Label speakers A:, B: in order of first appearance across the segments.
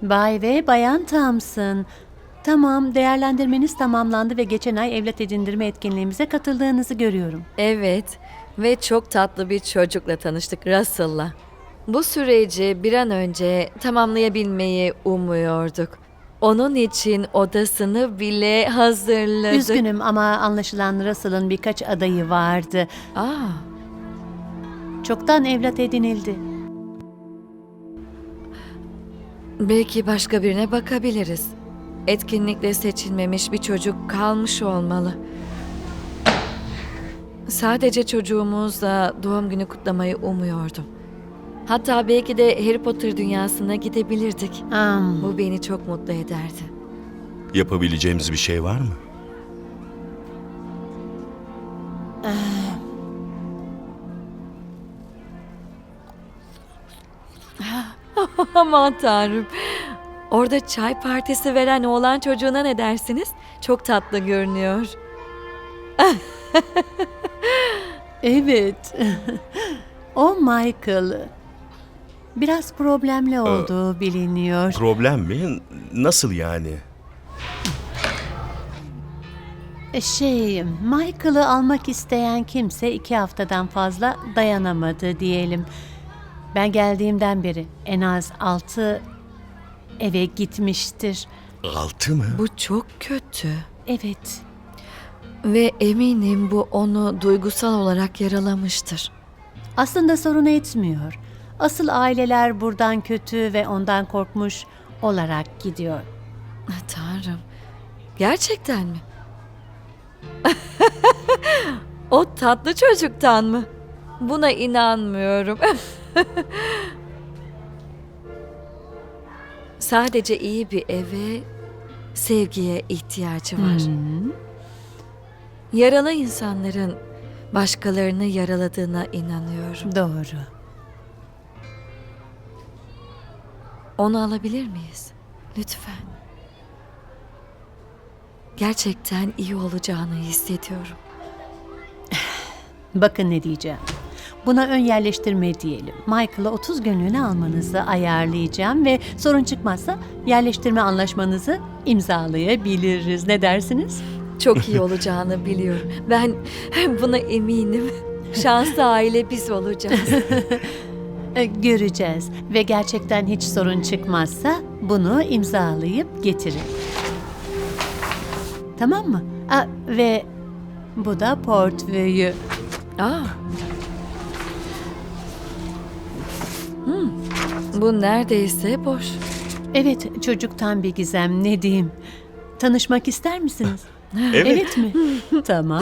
A: Bay ve Bayan Thompson. Tamam, değerlendirmeniz tamamlandı ve geçen ay evlat edindirme etkinliğimize katıldığınızı görüyorum.
B: Evet ve çok tatlı bir çocukla tanıştık, Russell'la. Bu süreci bir an önce tamamlayabilmeyi umuyorduk. Onun için odasını bile hazırladık.
A: Üzgünüm ama anlaşılan Russell'ın birkaç adayı vardı.
B: Aa,
A: Çoktan evlat edinildi.
B: belki başka birine bakabiliriz. Etkinlikle seçilmemiş bir çocuk kalmış olmalı. Sadece çocuğumuzla doğum günü kutlamayı umuyordum. Hatta belki de Harry Potter dünyasına gidebilirdik. Bu beni çok mutlu ederdi.
C: Yapabileceğimiz bir şey var mı?
B: Aman tanrım. Orada çay partisi veren oğlan çocuğuna ne dersiniz? Çok tatlı görünüyor.
A: Evet. O Michael. Biraz problemli olduğu biliniyor.
C: Problem mi? Nasıl yani?
A: Michael'ı almak isteyen kimse 2 haftadan fazla dayanamadı diyelim. Ben geldiğimden beri en az 6 eve gitmiştir.
C: 6 mı?
B: Bu çok kötü.
A: Evet.
B: Ve eminim bu onu duygusal olarak yaralamıştır.
A: Aslında sorun etmiyor. Asıl aileler buradan kötü ve ondan korkmuş olarak gidiyor.
B: Tanrım. Gerçekten mi? O tatlı çocuktan mı? Buna inanmıyorum. Sadece iyi bir eve, sevgiye ihtiyacı var. Yaralı insanların başkalarını yaraladığına inanıyorum.
A: Doğru.
B: Onu alabilir miyiz? Lütfen. Gerçekten iyi olacağını hissediyorum.
A: Bakın ne diyeceğim. Buna ön yerleştirme diyelim. Michael'a 30 günlüğüne almanızı ayarlayacağım ve sorun çıkmazsa yerleştirme anlaşmanızı imzalayabiliriz. Ne dersiniz?
B: Çok iyi olacağını biliyorum. Ben buna eminim. Şanslı aile biz olacağız.
A: Göreceğiz ve gerçekten hiç sorun çıkmazsa bunu imzalayıp getirin. Tamam mı? Ve bu da portföyü.
B: Aa. Bu neredeyse boş.
A: Evet, çocuktan bir gizem, ne diyeyim. Tanışmak ister misiniz?
C: Evet.
A: Evet mi? Tamam.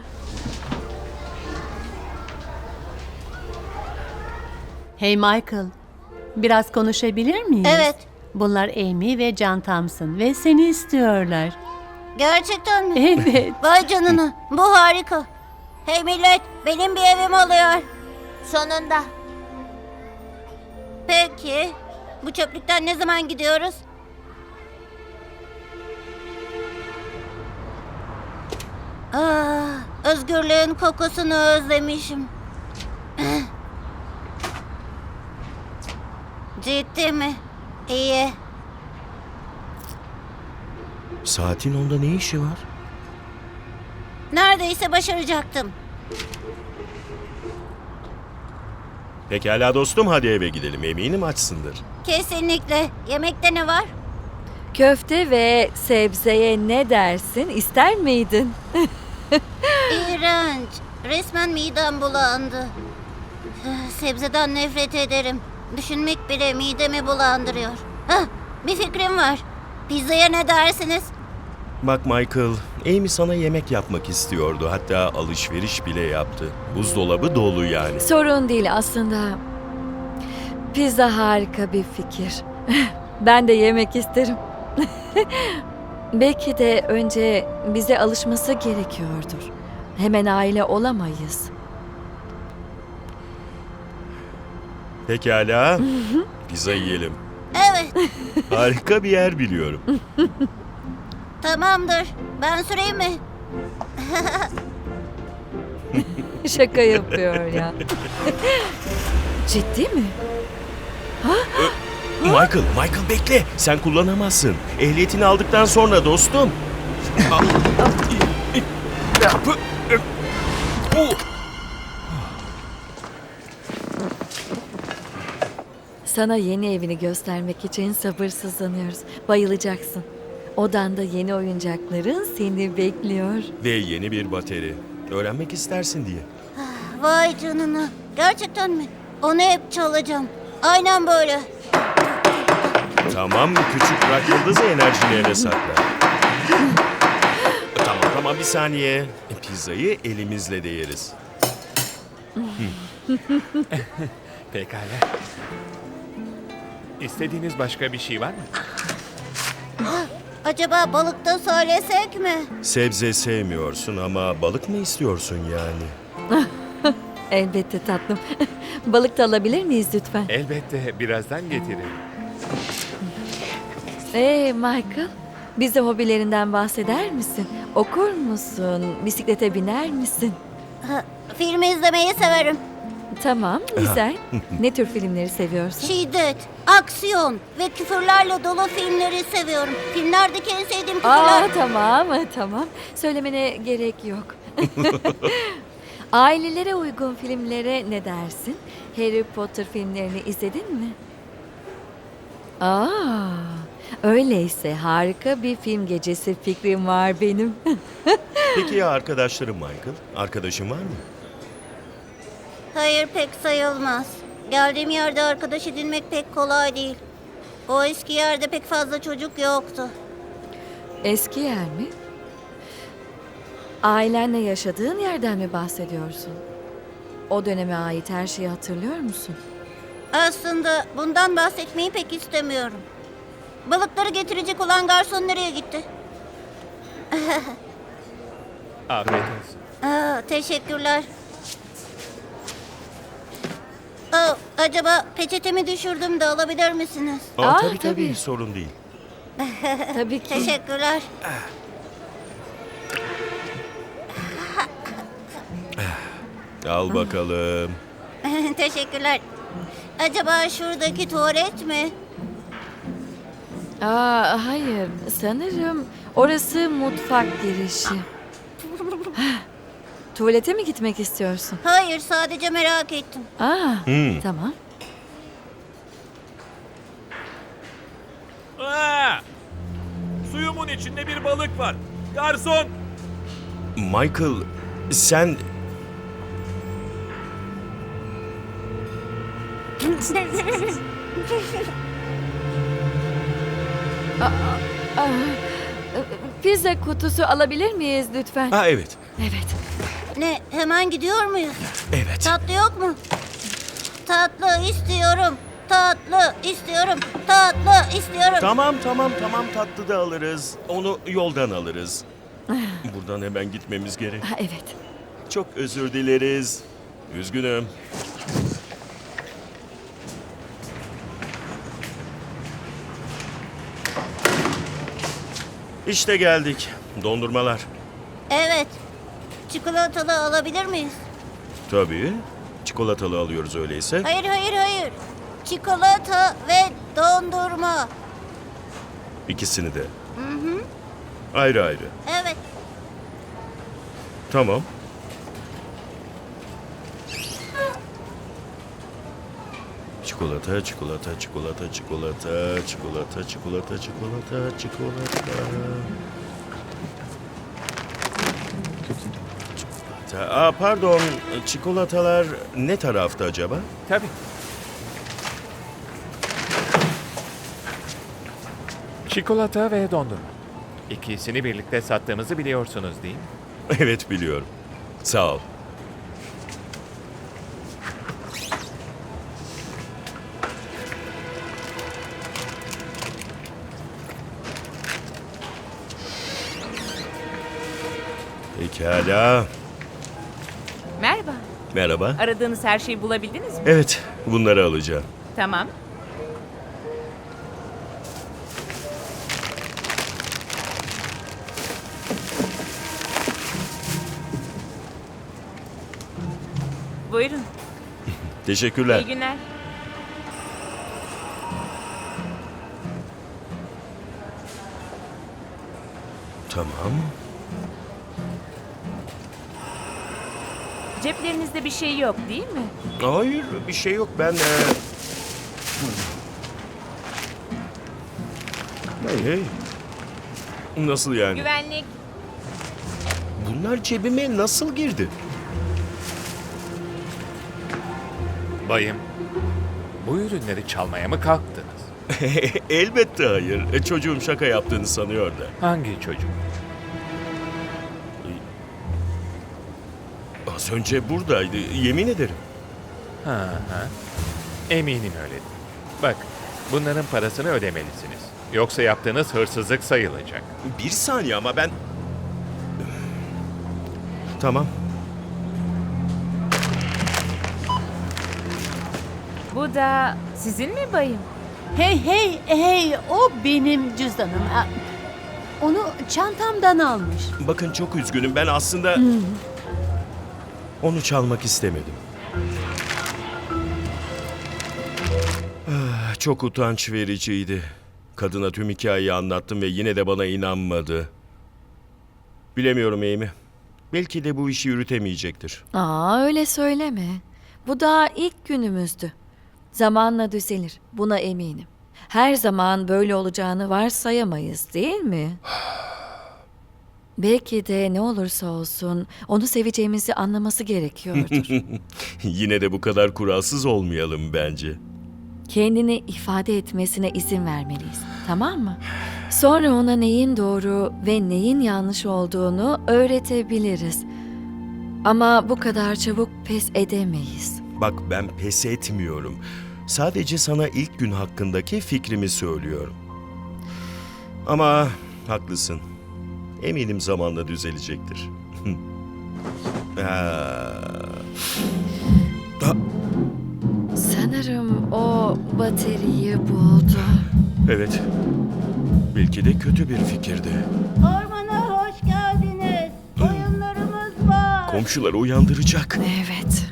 A: Hey Michael, biraz konuşabilir miyiz?
D: Evet.
A: Bunlar Amy ve John Thompson ve seni istiyorlar.
D: Gerçekten mi?
A: Evet.
D: Vay canına, bu harika. Hey millet, benim bir evim oluyor. Sonunda. Peki, bu çöplükten ne zaman gidiyoruz? Özgürlüğün kokusunu özlemişim. Ciddi mi? İyi.
C: Saatin onda ne işi var?
D: Neredeyse başaracaktım.
C: Pekala dostum, hadi eve gidelim. Eminim açsındır.
D: Kesinlikle. Yemekte ne var?
B: Köfte ve sebzeye ne dersin? İster miydin?
D: İğrenç. Resmen midem bulandı. Sebzeden nefret ederim. Düşünmek bile midemi bulandırıyor. Bir fikrim var. Pizzaya ne dersiniz?
C: Bak Michael, Amy sana yemek yapmak istiyordu. Hatta alışveriş bile yaptı. Buzdolabı dolu yani.
B: Sorun değil aslında. Pizza harika bir fikir. Ben de yemek isterim. Belki de önce bize alışması gerekiyordur. Hemen aile olamayız.
C: Pekala, pizza yiyelim.
D: Evet,
C: Harika bir yer biliyorum.
D: tamamdır. Ben süreyim mi?
B: Şaka yapıyor ya. Ciddi mi? Ha?
C: Michael bekle. Sen kullanamazsın. Ehliyetini aldıktan sonra dostum.
B: Sana yeni evini göstermek için sabırsızlanıyoruz. Bayılacaksın. Odanda yeni oyuncakların seni bekliyor.
C: Ve yeni bir bateri. Öğrenmek istersin diye.
D: Vay canına. Gerçekten mi? Onu hep çalacağım. Aynen böyle.
C: Tamam, küçük rock yıldızı enerjini eve sakla. Tamam bir saniye. Pizzayı elimizle de yeriz.
E: Pekala. İstediğiniz başka bir şey var mı?
D: Acaba balıkta söylesek mi?
C: Sebze sevmiyorsun ama balık mı istiyorsun yani?
B: Elbette tatlım. Balık da alabilir miyiz lütfen?
E: Elbette birazdan getiririm.
B: Michael, bize hobilerinden bahseder misin? Okur musun? Bisiklete biner misin?
D: Film izlemeyi severim.
B: Tamam, güzel. Ne tür filmleri seviyorsun?
D: Şiddet, aksiyon ve küfürlerle dolu filmleri seviyorum. Filmlerdeki en sevdiğim küfürler...
B: Tamam. Söylemene gerek yok. Ailelere uygun filmlere ne dersin? Harry Potter filmlerini izledin mi? Öyleyse harika bir film gecesi fikrim var benim.
C: Peki ya arkadaşlarım Michael? Arkadaşın var mı?
D: Hayır, pek sayılmaz. Geldiğim yerde arkadaş edinmek pek kolay değil. O eski yerde pek fazla çocuk yoktu.
B: Eski yer mi? Ailenle yaşadığın yerden mi bahsediyorsun? O döneme ait her şeyi hatırlıyor musun?
D: Aslında bundan bahsetmeyi pek istemiyorum. Balıkları getirecek olan garson nereye gitti?
E: Afiyet olsun.
D: Teşekkürler. Acaba peçetemi düşürdüm de alabilir misiniz?
C: Tabii
B: tabii.
C: sorun değil.
B: Tabii ki.
D: Teşekkürler.
C: Al bakalım.
D: Teşekkürler. Acaba şuradaki tuvalet mi?
B: Hayır. Sanırım orası mutfak girişi. Tuvalete mi gitmek istiyorsun?
D: Hayır, sadece merak ettim.
B: Tamam.
F: Suyumun içinde bir balık var. Garson!
C: Michael, sen...
B: Pizza kutusu alabilir miyiz lütfen?
C: Evet.
B: Evet.
D: Ne, hemen gidiyor muyuz?
C: Evet.
D: Tatlı yok mu? Tatlı istiyorum. Tatlı istiyorum. Tatlı istiyorum.
C: Tamam tatlı da alırız. Onu yoldan alırız. Buradan hemen gitmemiz gerek.
B: Evet.
C: Çok özür dileriz. Üzgünüm. İşte geldik. Dondurmalar.
D: Evet. Çikolatalı alabilir miyiz?
C: Tabii. Çikolatalı alıyoruz öyleyse.
D: Hayır. Çikolata ve dondurma.
C: İkisini de. Ayrı ayrı.
D: Evet.
C: Tamam. Çikolata. Pardon, çikolatalar ne tarafta acaba?
E: Tabii. Çikolata ve dondurma. İkisini birlikte sattığımızı biliyorsunuz değil mi?
C: Evet biliyorum. Sağ ol. Pekala.
G: Merhaba.
C: Merhaba.
G: Aradığınız her şeyi bulabildiniz mi?
C: Evet, bunları alacağım.
G: Tamam. Buyurun.
C: Teşekkürler.
G: İyi günler.
C: Tamam.
G: Ceplerinizde bir şey yok değil mi?
C: Hayır, bir şey yok. Ben... Hey. Nasıl yani?
G: Güvenlik.
C: Bunlar cebime nasıl girdi?
E: Bayım, bu ürünleri çalmaya mı kalktınız?
C: Elbette hayır. Çocuğum şaka yaptığını sanıyor da.
E: Hangi çocuk?
C: Az önce buradaydı, yemin ederim.
E: Ha. Eminim öyledir. Bak, bunların parasını ödemelisiniz. Yoksa yaptığınız hırsızlık sayılacak.
C: Bir saniye ama ben... Tamam.
G: Bu da sizin mi bayım?
A: Hey, o benim cüzdanım. Onu çantamdan almış.
C: Bakın çok üzgünüm. Ben aslında... Onu çalmak istemedim. Çok utanç vericiydi. Kadına tüm hikayeyi anlattım ve yine de bana inanmadı. Bilemiyorum Amy. Belki de bu işi yürütemeyecektir.
B: Öyle söyleme. Bu daha ilk günümüzdü. Zamanla düzelir. Buna eminim. Her zaman böyle olacağını varsayamayız, değil mi? Belki de ne olursa olsun onu seveceğimizi anlaması gerekiyordur.
C: Yine de bu kadar kuralsız olmayalım bence.
B: Kendini ifade etmesine izin vermeliyiz. Tamam mı? Sonra ona neyin doğru ve neyin yanlış olduğunu öğretebiliriz. Ama bu kadar çabuk pes edemeyiz.
C: Bak ben pes etmiyorum. Sadece sana ilk gün hakkındaki fikrimi söylüyorum. Ama haklısın. Eminim zamanla düzelecektir.
B: Sanırım o bataryayı buldu.
C: Evet. Belki de kötü bir fikirdi.
D: Ormana hoş geldiniz. Oyunlarımız var.
C: Komşuları uyandıracak.
B: Evet.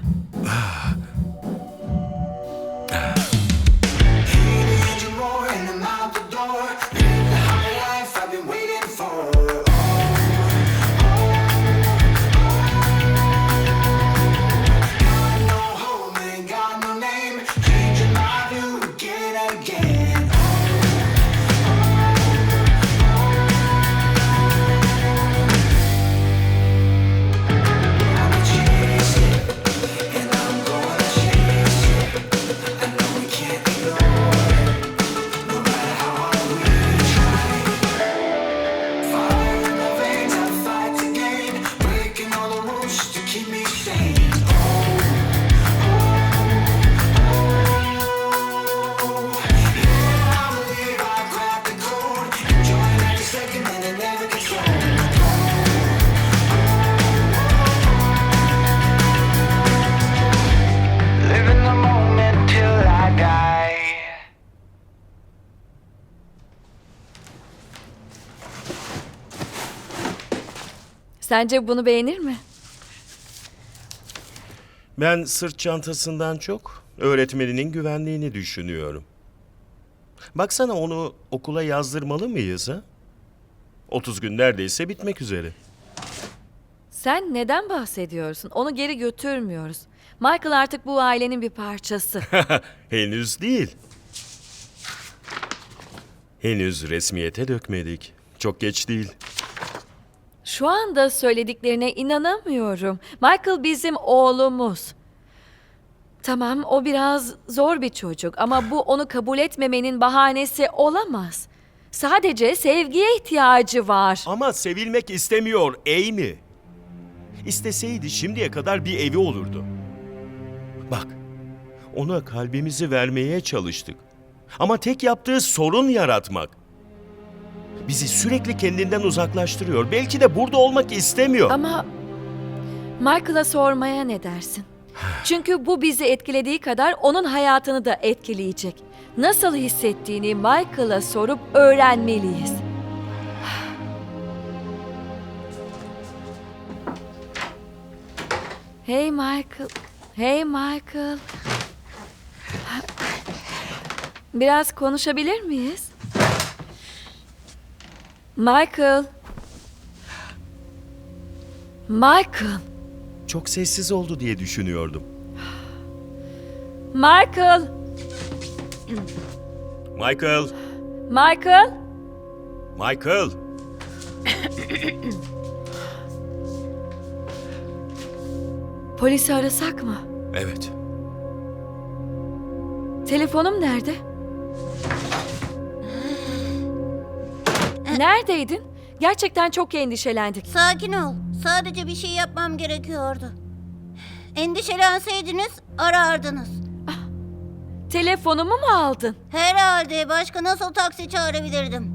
H: Living the moment till I die.
B: Sence bunu beğenir mi?
C: Ben sırt çantasından çok öğretmeninin güvenliğini düşünüyorum. Baksana onu okula yazdırmalı mıyız ha? 30 gün neredeyse bitmek üzere.
B: Sen neden bahsediyorsun? Onu geri götürmüyoruz. Michael artık bu ailenin bir parçası.
C: Henüz değil. Henüz resmiyete dökmedik. Çok geç değil.
B: Şu anda söylediklerine inanamıyorum. Michael bizim oğlumuz. Tamam, o biraz zor bir çocuk ama bu onu kabul etmemenin bahanesi olamaz. Sadece sevgiye ihtiyacı var.
C: Ama sevilmek istemiyor Amy. İsteseydi şimdiye kadar bir evi olurdu. Bak, ona kalbimizi vermeye çalıştık. Ama tek yaptığı sorun yaratmak. Bizi sürekli kendinden uzaklaştırıyor. Belki de burada olmak istemiyor.
B: Ama Michael'a sormaya ne dersin? Çünkü bu bizi etkilediği kadar onun hayatını da etkileyecek. Nasıl hissettiğini Michael'a sorup öğrenmeliyiz. Hey Michael. Hey Michael. Biraz konuşabilir miyiz? Michael. Michael!
C: Çok sessiz oldu diye düşünüyordum.
B: Michael!
C: Michael!
B: Michael!
C: Michael!
B: Polisi arasak mı?
C: Evet.
B: Telefonum nerede? Neredeydin? Gerçekten çok endişelendik.
D: Sakin ol. Sadece bir şey yapmam gerekiyordu. Endişelenseydiniz arardınız.
B: Telefonumu mu aldın?
D: Herhalde başka nasıl taksi çağırabilirdim?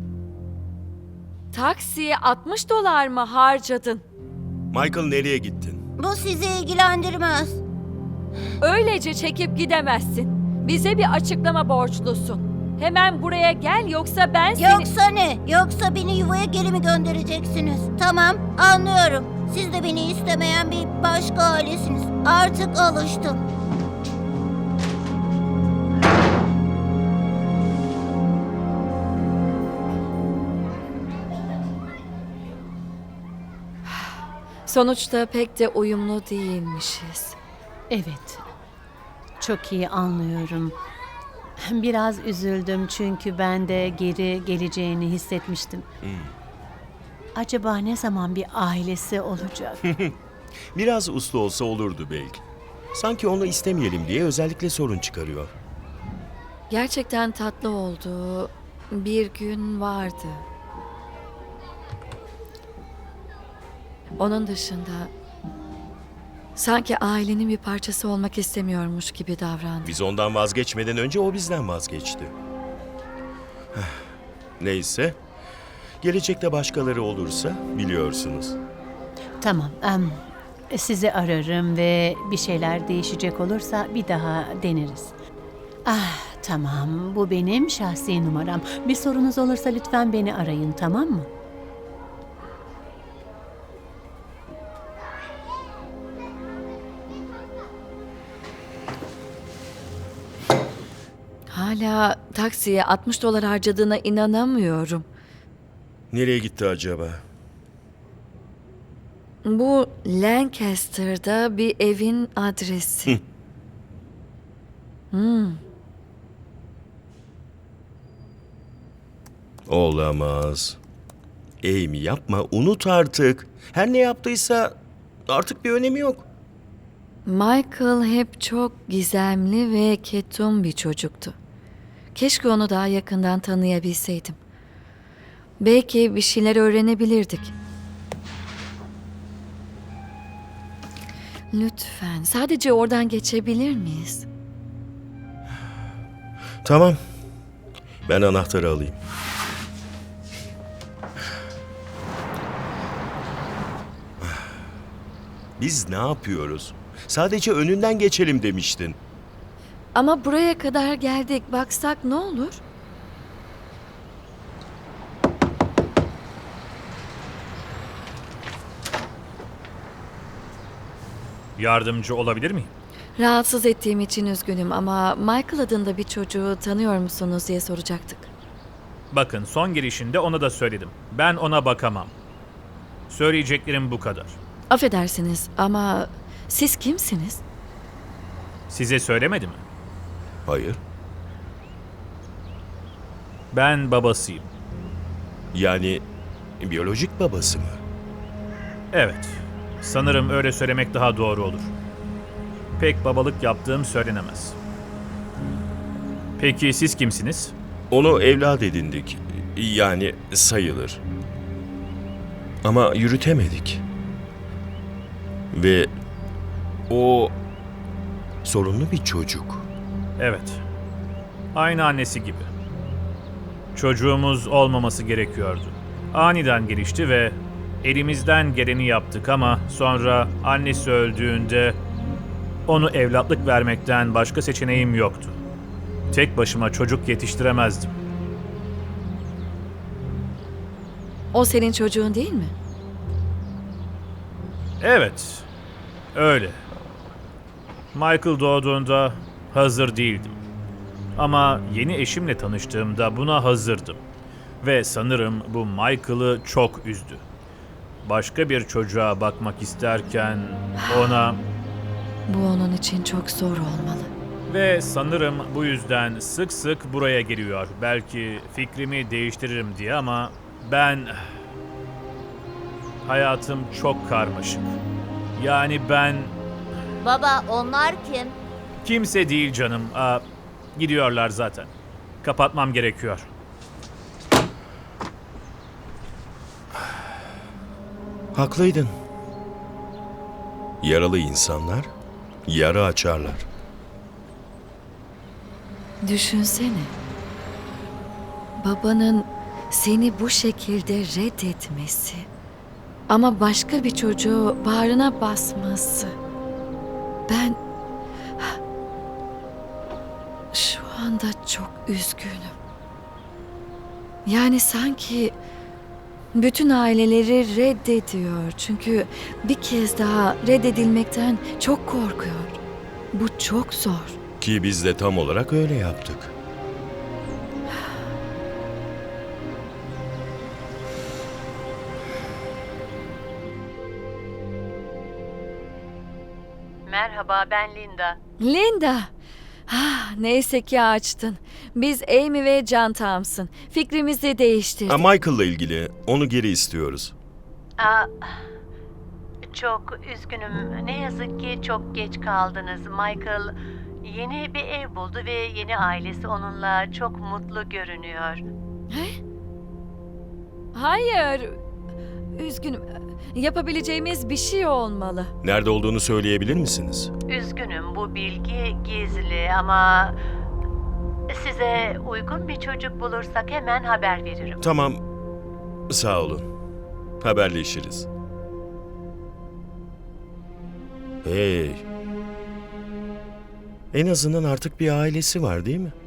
B: Taksiye 60 dolar mı harcadın?
C: Michael, nereye gittin?
D: Bu sizi ilgilendirmez.
B: Öylece çekip gidemezsin. Bize bir açıklama borçlusun. Hemen buraya gel yoksa ben seni...
D: Yoksa ne? Yoksa beni yuvaya geri mi göndereceksiniz? Tamam, anlıyorum. Siz de beni istemeyen bir başka ailesiniz. Artık alıştım.
B: Sonuçta pek de uyumlu değilmişiz.
A: Evet. Çok iyi anlıyorum. Biraz üzüldüm çünkü ben de geri geleceğini hissetmiştim. Acaba ne zaman bir ailesi olacak?
C: Biraz uslu olsa olurdu belki. Sanki onu istemeyelim diye özellikle sorun çıkarıyor.
B: Gerçekten tatlı olduğu bir gün vardı. Onun dışında sanki ailenin bir parçası olmak istemiyormuş gibi davrandı.
C: Biz ondan vazgeçmeden önce o bizden vazgeçti. Neyse. Gelecekte başkaları olursa biliyorsunuz.
A: Tamam. Sizi ararım ve bir şeyler değişecek olursa bir daha deneriz. Tamam. Bu benim şahsi numaram. Bir sorunuz olursa lütfen beni arayın, tamam mı?
B: Hala taksiye 60 dolar harcadığına inanamıyorum.
C: Nereye gitti acaba?
B: Bu Lancaster'da bir evin adresi.
C: Olamaz. Amy, yapma, unut artık. Her ne yaptıysa artık bir önemi yok.
B: Michael hep çok gizemli ve ketum bir çocuktu. Keşke onu daha yakından tanıyabilseydim. Belki bir şeyler öğrenebilirdik. Lütfen sadece oradan geçebilir miyiz?
C: Tamam. Ben anahtarı alayım. Biz ne yapıyoruz? Sadece önünden geçelim demiştin.
B: Ama buraya kadar geldik. Baksak ne olur?
F: Yardımcı olabilir miyim?
B: Rahatsız ettiğim için üzgünüm ama Michael adında bir çocuğu tanıyor musunuz diye soracaktık.
F: Bakın, son girişinde ona da söyledim. Ben ona bakamam. Söyleyeceklerim bu kadar.
B: Affedersiniz ama siz kimsiniz?
F: Size söylemedi mi?
C: Hayır.
F: Ben babasıyım.
C: Yani biyolojik babası mı?
F: Evet. Sanırım öyle söylemek daha doğru olur. Pek babalık yaptığım söylenemez. Peki siz kimsiniz?
C: Onu evlat edindik. Yani sayılır. Ama yürütemedik. Ve o sorunlu bir çocuk.
F: Evet. Aynı annesi gibi. Çocuğumuz olmaması gerekiyordu. Aniden gelişti ve elimizden geleni yaptık ama sonra annesi öldüğünde onu evlatlık vermekten başka seçeneğim yoktu. Tek başıma çocuk yetiştiremezdim.
B: O senin çocuğun değil mi?
F: Evet, öyle. Michael doğduğunda hazır değildim. Ama yeni eşimle tanıştığımda buna hazırdım. Ve sanırım bu Michael'ı çok üzdü. başka bir çocuğa bakmak isterken ona
B: Bu onun için çok zor olmalı.
F: ve sanırım bu yüzden sık sık buraya geliyor. Belki fikrimi değiştiririm diye ama hayatım çok karmaşık. Yani ben
D: Baba, onlar kim?
F: kimse değil canım. Gidiyorlar zaten. Kapatmam gerekiyor.
C: Haklıydın. Yaralı insanlar yara açarlar.
B: Düşünsene. Babanın seni bu şekilde reddetmesi ama başka bir çocuğu bağrına basması. Ben şu anda çok üzgünüm. Yani sanki bütün aileleri reddediyor. Çünkü bir kez daha reddedilmekten çok korkuyor. Bu çok zor.
C: Ki biz de tam olarak öyle yaptık.
A: Merhaba, ben Linda.
B: Linda. Neyse ki açtın. Biz Amy ve John Thompson. Fikrimizi değiştirdik.
C: Michael'la ilgili onu geri istiyoruz.
A: Çok üzgünüm. Ne yazık ki çok geç kaldınız. Michael yeni bir ev buldu ve yeni ailesi onunla çok mutlu görünüyor.
B: Hayır. Üzgünüm. Yapabileceğimiz bir şey olmalı.
C: Nerede olduğunu söyleyebilir misiniz?
A: Üzgünüm, bu bilgi gizli ama size uygun bir çocuk bulursak hemen haber veririm.
C: Tamam. Sağ olun. Haberleşiriz. Hey. En azından artık bir ailesi var değil mi?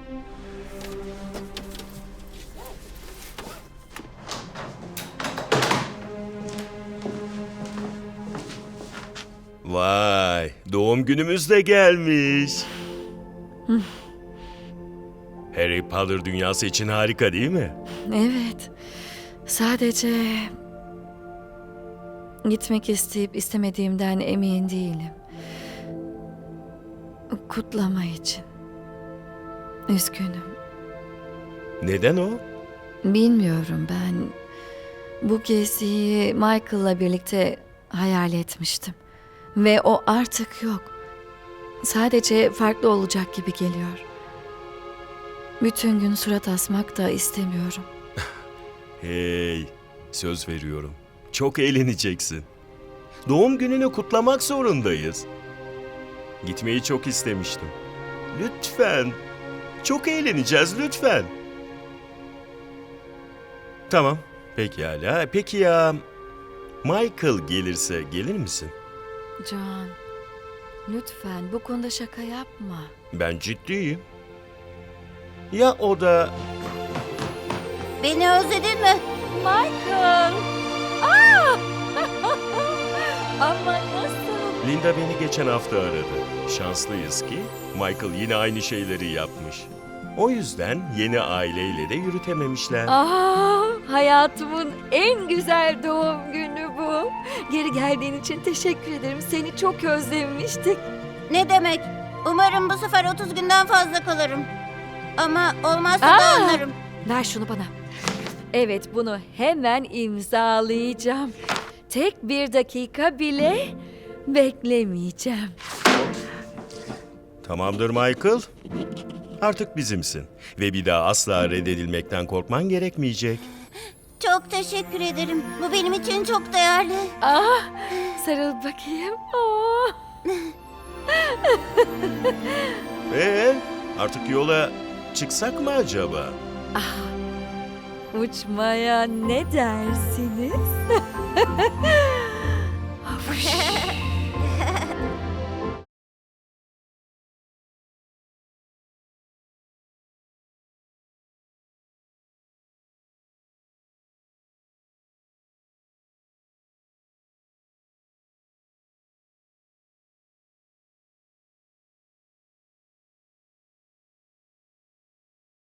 C: Vay, doğum günümüz de gelmiş. Harry Potter dünyası için harika değil mi?
B: Evet. Sadece gitmek isteyip istemediğimden emin değilim. Kutlama için. Üzgünüm.
C: Neden o?
B: Bilmiyorum, ben bu geziyi Michael'la birlikte hayal etmiştim. Ve o artık yok. Sadece farklı olacak gibi geliyor. Bütün gün surat asmak da istemiyorum.
C: Hey, söz veriyorum. Çok eğleneceksin. Doğum gününü kutlamak zorundayız. Gitmeyi çok istemiştim. Lütfen. Çok eğleneceğiz lütfen. Tamam, pekala. Peki ya Michael gelirse gelir misin?
B: John, lütfen bu konuda şaka yapma.
C: Ben ciddiyim. Ya o da...
D: Beni özledin mi?
B: Michael! Ama nasıl?
C: Linda beni geçen hafta aradı. Şanslıyız ki Michael yine aynı şeyleri yapmış. O yüzden yeni aileyle de yürütememişler.
B: Hayatımın en güzel doğum günü bu. Geri geldiğin için teşekkür ederim. Seni çok özlemiştik.
D: Ne demek? Umarım bu sefer 30 günden fazla kalırım. Ama olmazsa da anlarım.
B: Ver şunu bana. Evet, bunu hemen imzalayacağım. Tek bir dakika bile beklemeyeceğim.
C: Tamamdır Michael. Artık bizimsin. Ve bir daha asla reddedilmekten korkman gerekmeyecek.
D: Çok teşekkür ederim. Bu benim için çok değerli.
B: Sarıl bakayım.
C: Artık yola çıksak mı acaba?
B: Uçmaya ne dersiniz?